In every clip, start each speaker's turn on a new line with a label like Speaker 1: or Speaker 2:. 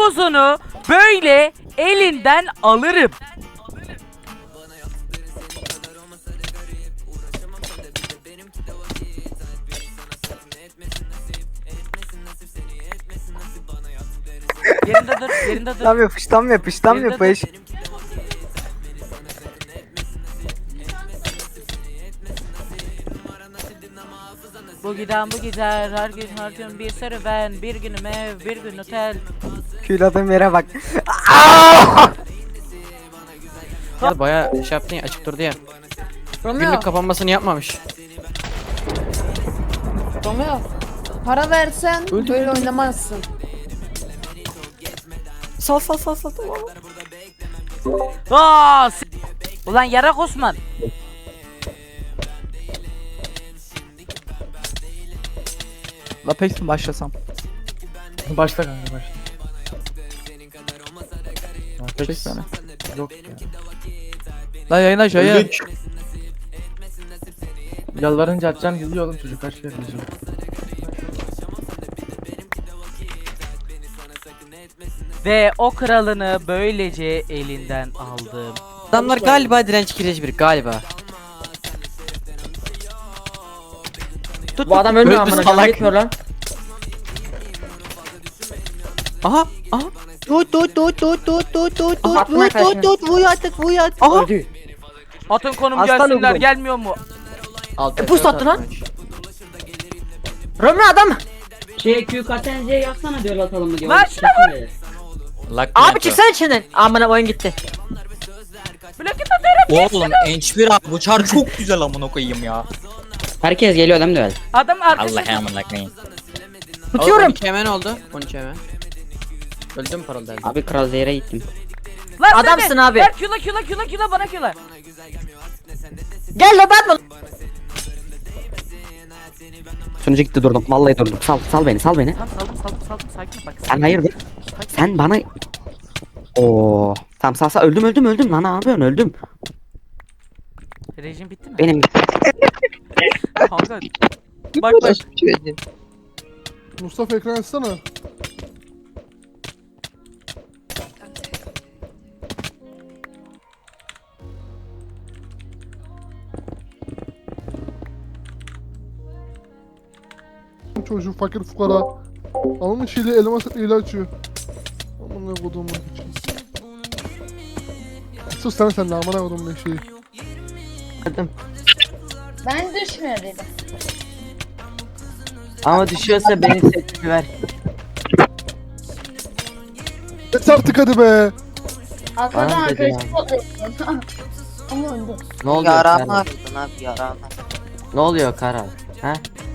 Speaker 1: havuzunu böyle elinden alırım. Yerinde dur, yerinde dur.
Speaker 2: Tam yapış, tam yapış, tam
Speaker 1: Yerinde
Speaker 2: yapış.
Speaker 1: dur. Bu giden bu gider, her gün bir serüven, bir günüm ev, bir gün otel.
Speaker 2: Küladığım yere bak.
Speaker 3: Ya bayağı şey yaptın ya, açık durdu ya.
Speaker 4: Romeo,
Speaker 3: Günlük kapanmasını yapmamış.
Speaker 4: Romeo. Para versen
Speaker 3: Öldü,
Speaker 4: böyle
Speaker 3: öldü.
Speaker 4: oynamazsın.
Speaker 3: Sal tamam.
Speaker 1: Aa, ulan yarak Osman.
Speaker 2: La peki başlasam.
Speaker 5: Başla kanka başla.
Speaker 2: Çek
Speaker 5: Apex
Speaker 2: beni.
Speaker 5: yok ya.
Speaker 2: La yayına yayın.
Speaker 5: Öldük. Yalvarınca açacağım gidiyor oğlum çocuk kaç kere diyeceğim.
Speaker 1: Ve o kralını böylece elinden aldım.
Speaker 3: Adamlar galiba direnç kireci bir galiba.
Speaker 6: Bu adam ölmüyor
Speaker 3: Öldü
Speaker 6: amına
Speaker 3: salak.
Speaker 6: koyayım, gitmiyor lan.
Speaker 3: Aha.
Speaker 6: Attım arkadaşını.
Speaker 3: Aha.
Speaker 6: Öldü.
Speaker 1: Atın konum
Speaker 2: Aslan
Speaker 1: gelsinler,
Speaker 2: oğlum.
Speaker 1: gelmiyor mu?
Speaker 6: Pus attı lan. Romeo adam.
Speaker 7: Q KTNC yapsana diyor atalım mı diyor.
Speaker 1: Ver şuna
Speaker 6: Abi çıksana içinden. Amına oyun gitti.
Speaker 1: Plaket atarım.
Speaker 8: Oğlum Enç1 abi bu çar çok güzel amına koyayım ya.
Speaker 7: Herkes geliyor değil mi?
Speaker 1: Adam arkasında.
Speaker 8: Allah amına koyayım.
Speaker 6: Tutuyorum.
Speaker 3: 12 hemen oldu. 12 hemen. Öldüm paralel.
Speaker 7: Abi Kral Zehir'e gittim.
Speaker 1: Lan sen
Speaker 6: Adamsın
Speaker 1: de.
Speaker 6: abi.
Speaker 1: Ver küla bana küla.
Speaker 6: Gel lan Batman.
Speaker 7: Sonucu gitti durdum. Vallahi durdum. Sal beni.
Speaker 1: Tamam saldım sakin ol bak.
Speaker 7: Sen hayırdır? Sen bana... Oo. Tamam sal öldüm lan ne yapıyorsun öldüm.
Speaker 1: Rejim bitti mi?
Speaker 7: Benim
Speaker 1: Kanka. Bak.
Speaker 5: Mustafa ekran açsana. Çocuğu fakir fukara. Almış ile elmas ile açıyor. Amına kodumun için. Sus sen de amına kodumun şeyi.
Speaker 4: Ben düşmüyor dedim.
Speaker 6: Ama düşüyorsa beni setini ver.
Speaker 5: Et artık hadi be.
Speaker 4: Arkadan
Speaker 6: Bana dedi
Speaker 4: arkadaşı topluyorsun. Ama öldü.
Speaker 6: Ne oluyor
Speaker 2: Yarama
Speaker 6: Karal?
Speaker 2: attın abi yarama.
Speaker 6: Ne oluyor Karal? Ha?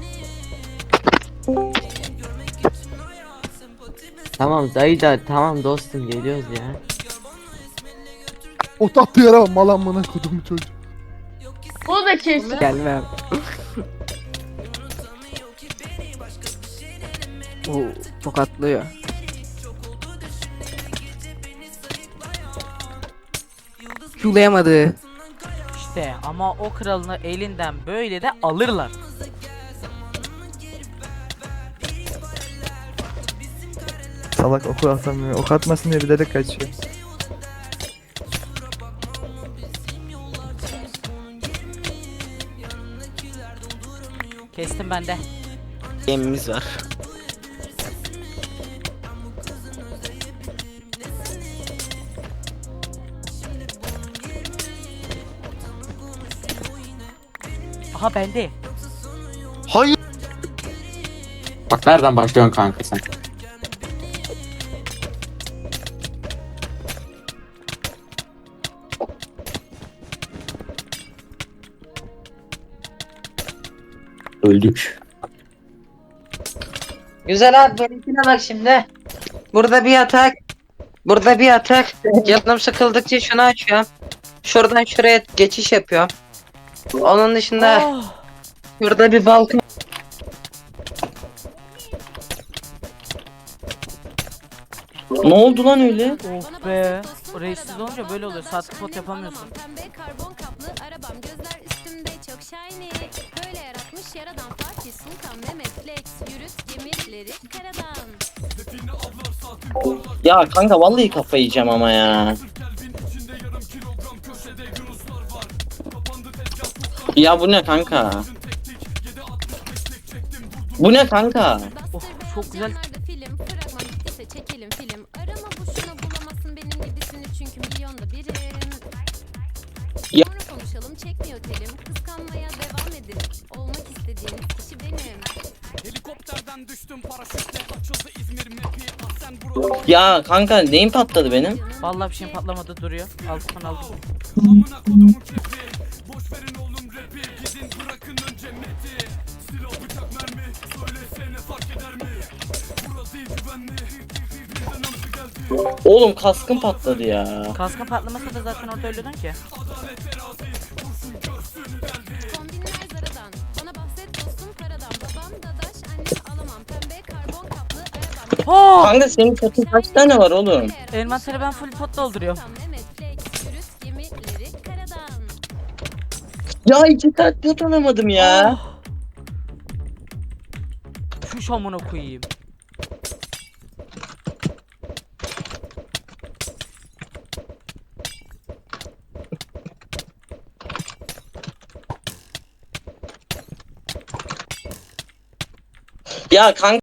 Speaker 6: Tamam dayı da tamam dostum geliyoruz ya.
Speaker 5: O tatlı yere bak mal amına kodumun çocuğu.
Speaker 4: Bu da kesin.
Speaker 2: Gelmem. Oo, tokatlıyor. Yulayamadı.
Speaker 1: İşte ama o kralını elinden böyle de alırlar.
Speaker 2: Salak oku atamıyor. Ok atmasın diye bilerek kaçıyor.
Speaker 1: Kestim ben de.
Speaker 8: Gemimiz var.
Speaker 1: Aha bende.
Speaker 8: Hayır.
Speaker 7: Bak nereden başlıyorsun kanka sen? Öldük.
Speaker 6: Güzel abi benimkine bak şimdi. Burada bir yatak. Burada bir yatak. Canım sıkıldıkça şunu açıyorum. Şuradan şuraya geçiş yapıyorum. Onun dışında
Speaker 1: Oh,
Speaker 6: şurada bir balkon. Ne oldu lan öyle?
Speaker 1: oh be. Reissiz olunca böyle oluyor. Saat spot yapamıyorsun.
Speaker 9: Pembe karbon kaplı arabam gözler üstümde çok shiny. Böyle yaratmış yaradan Fatih Sultan Mehmet Lex yürüt gemileri karadan.
Speaker 6: Ya kanka vallahi kafayı yiyeceğim ama ya. Ya bu ne kanka? Bu ne kanka?
Speaker 1: Of, çok güzel.
Speaker 9: Camlarda film, fragman bittiyse çekelim film. Arama boşuna bulamazsın benim gibisini çünkü milyonda birim.
Speaker 6: Ya-
Speaker 9: Sonra konuşalım çekmiyor telim. Kıskanmaya devam edin. Olmak istediğiniz kişi benim.
Speaker 6: Ya kanka neyim patladı benim?
Speaker 1: Vallahi bir şeyim patlamadı duruyor. Alttan aldım.
Speaker 6: Oğlum kaskım patladı ya.
Speaker 1: Kaskın patlamasa da zaten orada ölüyordun ki.
Speaker 9: Kombinler Zara'dan. Bana bahset dostum paradan. Babam dadaş annem alamam. Pembe karbon kaplı arabam.
Speaker 1: Oh!
Speaker 6: Kanka senin katın kaç tane var oğlum?
Speaker 1: Elmasları ben full pot dolduruyorum.
Speaker 9: Mehmet Flex, yürüt gemileri karadan.
Speaker 6: Ya 2 saat yat alamadım ya.
Speaker 1: Oh! Şu şamına koyayım.
Speaker 6: Ya kanka